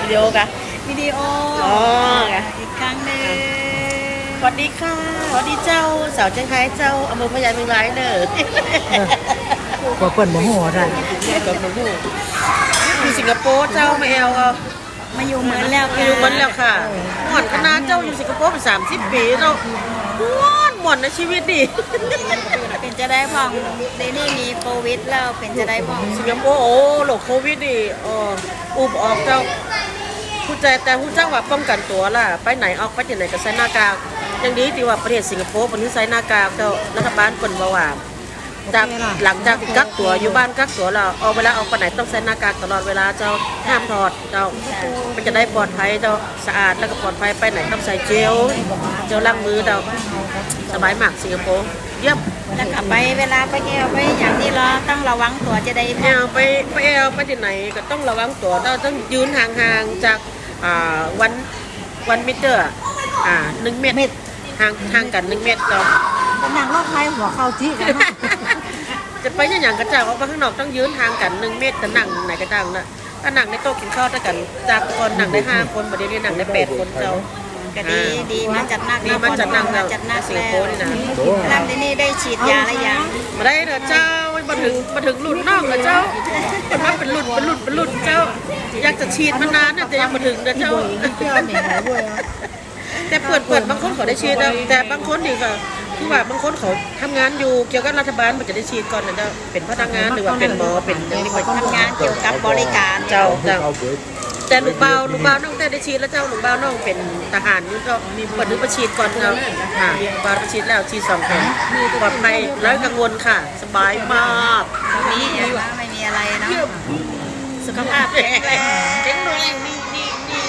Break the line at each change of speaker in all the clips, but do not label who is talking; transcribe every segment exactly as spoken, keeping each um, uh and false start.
วิดีโอกะ
วิดีโอ
อ๋อกะ
อีกครั้งหนึ่ง
สวัสดีค่ะสวัสดีเจ้าสาวเชียงรายเจ้าอำเภอพญาเมืองร้ายเด้อ
ก็เปิดโมโหได้
กับหนูอยู่สิงคโปร์เจ้ามาแอลก็
มาอยู่เหมือนแล้ว
มาอยู่เหมือนแล้วค่ะหมอนคณะเจ้าอยู่สิงคโปร์เป็นสามสิบปีเราม้วนหมดในชีวิตดิ
เป็นจะได้พ่องในนี่มีโควิดแล้วเป็นจะได้พ่อง
สิงคโปร์โอ้โหโควิดดิอ๋ออุบออกเจ้าผู้ใจแต่ผู้เจ้าว่าป้องกันตัวล่ะไปไหนออกไปที่ไหนก็ใส่หน้ากากอย่างนี้ที่ว่าประเทศสิงคโปร์เป็นที่ใส่หน้ากากเจ้ารัฐบาลคนบอกว่าจากหลังจากกักตัวอยู่บ้านกักตัวเราเอาเวลาออกไปไหนต้องใส่หน้ากากตลอดเวลาเจ้าห้ามถอดเจ้ามันจะได้ปลอดภัยเจ้าสะอาดแล้วก็ปลอดภัยไปไหนต้องใส่เจลเจลล้างมือเจ้าสบายมากสิงคโปร์เยี่ยม
แล้วกลับไปเวลาไปแอลไปอย่างนี้เราต้องระวังตัวจะได้
แอลไปไปแอลไปที่ไหนก็ต้องระวังตัวเราต้องยืนห่างๆจากอ่าวันวันมิเตอร์อ่าหนึ่งเมตรห่างห่างกันหนึ่งเมตรเจ้า
เป็นนางรอบใครหัวเข้าที่กัน
จะไปอย่างกระจายออกมาข้างนอกต้องยืนทางกันหนึ่งเมตรแต่นั่งไหนกระจังนะถ้านั่งในโต๊ะกินข้าวด้วยกันจากคนนั่งได้ห้าคนประเดี๋ยวนี้นั่งได้แปดคนเจ้า
ก็ดีดีมาจัดนัก
ดีมาจัดนัก
มาจัดนัก
สิงคโปร์นี่นะ
แล้วที่นี่ได้ฉีดยาอะไรยัง
มาได้เถอะเจ้ามาถึงมาถึงหลุดนอกเลยเจ้ามาเป็นหลุดเป็นหลุดเป็นหลุดเจ้าอยากจะฉีดมานานเนี่ยแต่ยังมาถึงเด้อเจ้าแต่เปิดเปิดบางคนเขาได้ฉีดแต่บางคนดีกว่าคือว่าบางคนเขาทำงานอยู่เกี่ยวกับรัฐบาลมันจะได้ฉีดก่อนนะเจ้าเป็นพนักงานหรือว่าเป็นหมอเป็นอย่างนี้
ทำงานเกี่ยวกับบริการ
เจ้าเจ้าแต่ลูกเบาลูกเบาน้องแต่ได้ฉีดแล้วเจ้าลูกเบาน้องเป็นทหารนี่ก็มีเปิดนึกประฉีดก่อนเจ้าค่ะลูกเบาประฉีดแล้วฉีดสองเข็มปลอดภัยแล้วกังวลค่ะสบายมาก
นี่ไม่มีอะไรเนาะ
สุขภาพแข็งแรงแข็งแรงนี่นี่นี่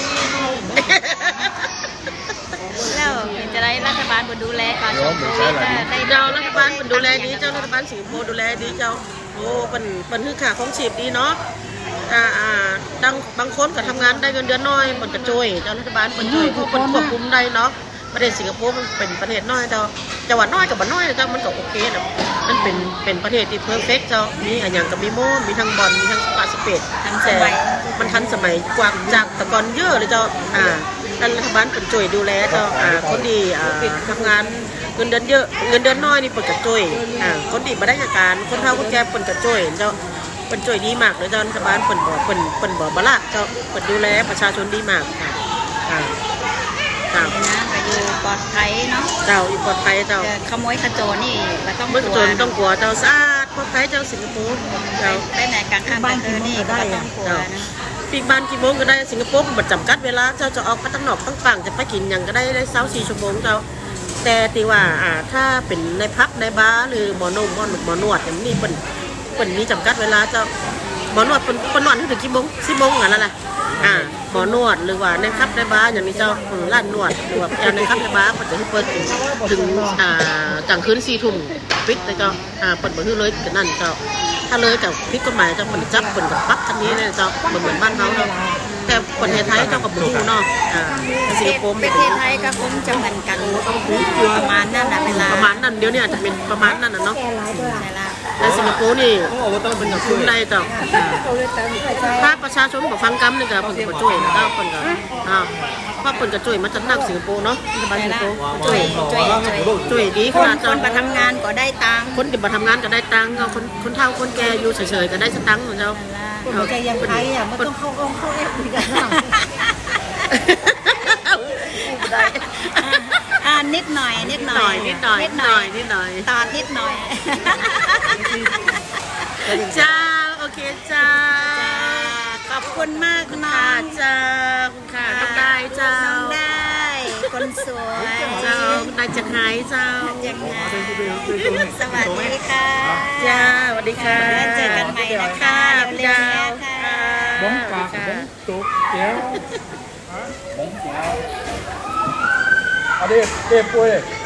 แล้วเป็นจะได้รัฐบาลมาดูแลการชมโควิดได้
เจ้ารัฐบาลมันดูแลดีเจ้ารัฐบาลสิงคโปร์ดูแลดีเจ้าโอ้เป็นเป็นคือขาของฉีดดีเนาะอ่าอ่าดังบางคนก็ทำงานได้เงินเดือนน้อยมันกระจุยเจ้ารัฐบาลมันช่วยผู้คนควบคุมได้เนาะประเทศสิงคโปร์มันเป็นประเทศน้อยเจ้าจังหวัดน้อยกับบ้านน้อยเจ้ามันก็โอเคนะมันเป็นเป็นประเทศที่เพอร์เฟกต์เจ้ามีอะไรอย่างกับมีโม่มีทั้งบอลมีทั้งสปาสเปด
ทันสมัย
มันทันสมัยกว่าจากแต่ก่อนเยอะเลยเจ้าอ่ารัฐบาลเป็นช่วยดูแลเจ้าอ่าคนดีอ่าทำงานเงินเดือนเยอะเงินเดือนน้อยนี่เปิดกระจุยอ่าคนดีมาได้จากการคนเฒ่าคนแก่เปิดกระจุยเจ้าเปิดช่วยดีมากเลยเจ้ารัฐบาลเปิดบ่เปิดเปิดบ่บละเจ้าเปิดดูแลประชาชนดีมากค่ะค่ะ
เจ้านะก็อยู่ปลอดภัยเนาะ
เจ้าอยู่ปลอดภัยเจ้า
ขโมยขโจรนี่ก็ต้อง
กลัวต้องกลัวเจ้าสะอาดปลอดภัยเจ้าสิงคโปร์เจ้า
ไปไหนกลางค่ำกลางคืนนี่ก็ต้องกลัวนะ
ปีบ้านกี่โมงก็ได้สิงคโปร์มันจำกัดเวลาเจ้าจะออกไปตั้งนอกตั้งฝั่งจะไปกินอย่างก็ได้ได้เช้าสี่ชั่วโมงเจ้าแต่ตีว่าอ่าถ้าเป็นในพักในบาร์หรือหมอนมหมอหมอนวดอย่างนี้เป็นเป็นมีจำกัดเวลาเจ้าหมอนวดเป็นเป็นนวดถึงกี่โมงสิบโมงอะไรล่ะอ่าหมอนวดหรือว่าในคับในบาร์อย่างนี้เจ้าร้านนวดหรือว่าในคับในบาร์มันจะเปิดถึงอ่ากลางคืนสี่ทุ่มปิดเลยเจ้าอ่าเปิดเบอร์เลยกันนั่นเจ้าถ้าเลยกับพิษกฎหมายจะมันจับเป็นกับปั๊บทันนี้เลยเจ้าเหมือนเหมือนบ้านเขาเนาะแต่ประเทศไทยเจ้ากับบูเนาะอ่าสิงคโปร์
ประเทศไทยก็คงจะเหมือนกันประมาณนั้นนะเวลา
ประมาณนั้นเดี๋ยวนี้อาจจะเป็นประมาณนั้นนะเนาะแต่สิงคโปร์นี่เป็นกับคุ้มได้เจ้าถ้าประชาชนบอกฟังกำนี่ก็ผลกระจุยนะเจ้าผลกระอ่าเพราะผลกระจุยมันจะนั่งสิงคโปร์เนาะบ้านสิงคโปร์
จุยจุย
จุยดีขนาด
คนมาทำงานก็ได้ตังค์
คนที่มาทำงานก็ได้ตังค์คนคนเฒ่าคนแก่อยู่เฉยๆก็ได้สตังค์ของเจ้า
หัวใจยังไทยอ่ะมันต้องเข้าองค์เข้าเอฟดีกัน
อ่านิดหน่อยนิดหน่อย
นิดหน่อยนิดหน่อยนิดหน่อย
ตอนนิดหน่อย
จ้าโอเคจ้า
ขอบคุณมากนะ
จ้าคุณค่ะต้องได้เจ้า
ได้คนสวย
เจ้าได้จะหายเจ้า
ยังไงสวัสดีค่ะ
จ้าสวัสดีค่ะ
เจอกันใหม่นะคะเร็วๆค่ะ
บ้องปากบ้องตุกเจ้าบ้องเจ้าเอาดิเก็บปุ้ย